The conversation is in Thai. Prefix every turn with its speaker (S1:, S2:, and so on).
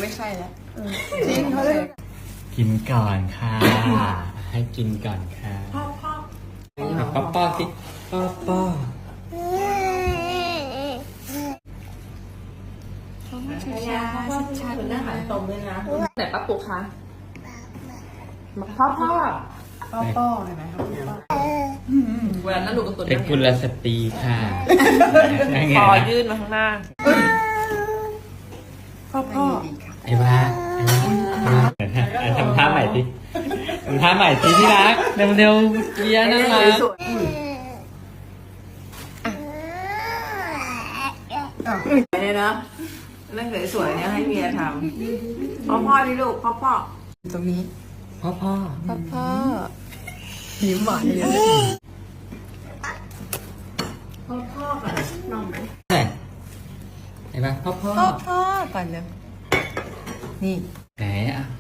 S1: ไม่ใช่แล้วจริงเขาเลย
S2: กินก่อนค่ะ ให้กินก่อนค่ะป้อป้อสิป้อป้อ
S1: ช้าช้าเหมือนหน้าหันตรงเลยนะไหนป้าปุ๊กคะพ่อเห็นไหมครับเวลานั่งดูการ์ตูน
S2: เป็นกุลสตรีค่ะ
S1: คอยื่นมาข้างหน้าพ่อ
S2: ไอ้บ้าทำท่าใหม่สิทำท่าใหม่สิที่รักเร็วๆเกียร์นั่นมา
S1: เนี่ยนะนั่งสวยๆเนี่ยให้เมียทำพ่อนี่ลูกพ่อตรงนี้
S2: พ่อ
S1: ยิ้มหวานเลยพ่อก่อนน้องไหม
S2: ไอ้บ้าพ่อ
S1: ก่อนเลยนี่
S2: ไหนอ่ะ